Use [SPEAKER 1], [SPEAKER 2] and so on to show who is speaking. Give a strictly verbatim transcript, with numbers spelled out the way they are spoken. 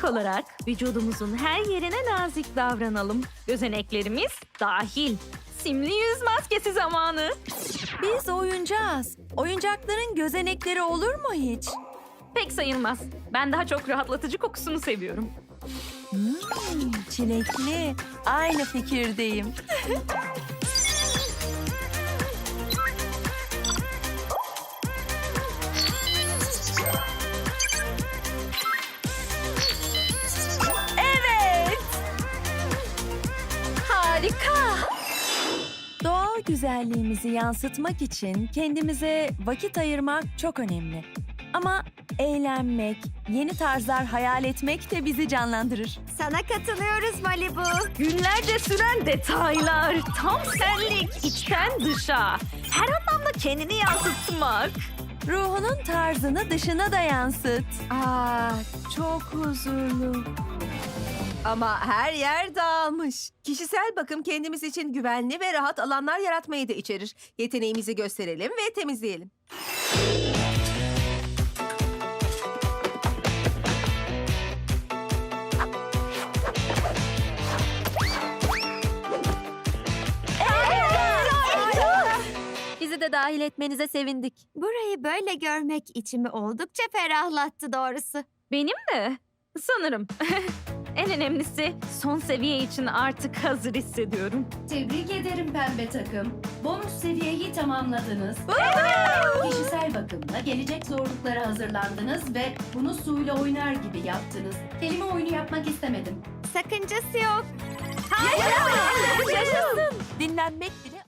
[SPEAKER 1] İlk olarak vücudumuzun her yerine nazik davranalım. Gözeneklerimiz dahil. Simli yüz maskesi zamanı.
[SPEAKER 2] Biz oyuncağız. Oyuncakların gözenekleri olur mu hiç?
[SPEAKER 1] Pek sayılmaz. Ben daha çok rahatlatıcı kokusunu seviyorum.
[SPEAKER 2] Hmm, çilekli. Aynı fikirdeyim. Evet. Harika. Doğal güzelliğimizi yansıtmak için kendimize vakit ayırmak çok önemli. Ama eğlenmek, yeni tarzlar hayal etmek de bizi canlandırır.
[SPEAKER 3] Sana katılıyoruz Malibu.
[SPEAKER 1] Günlerce süren detaylar. Tam senlik, içten dışa. Her anlamda kendini yansıtmak.
[SPEAKER 2] Ruhunun tarzını dışına da yansıt. Aa, çok huzurlu.
[SPEAKER 4] Ama her yer dağılmış. Kişisel bakım kendimiz için güvenli ve rahat alanlar yaratmayı da içerir. Yeteneğimizi gösterelim ve temizleyelim.
[SPEAKER 2] Bizi de dahil etmenize sevindik.
[SPEAKER 3] Burayı böyle görmek içimi oldukça ferahlattı doğrusu.
[SPEAKER 1] Benim de. Sanırım. En önemlisi son seviye için artık hazır hissediyorum.
[SPEAKER 5] Tebrik ederim pembe takım. Bonus seviyeyi tamamladınız. Kişisel bakımla gelecek zorluklara hazırlandınız ve bunu suyla oynar gibi yaptınız. Kelime oyunu yapmak istemedim.
[SPEAKER 3] Sakıncası yok.
[SPEAKER 2] Yaşasın. Dinlenmek bile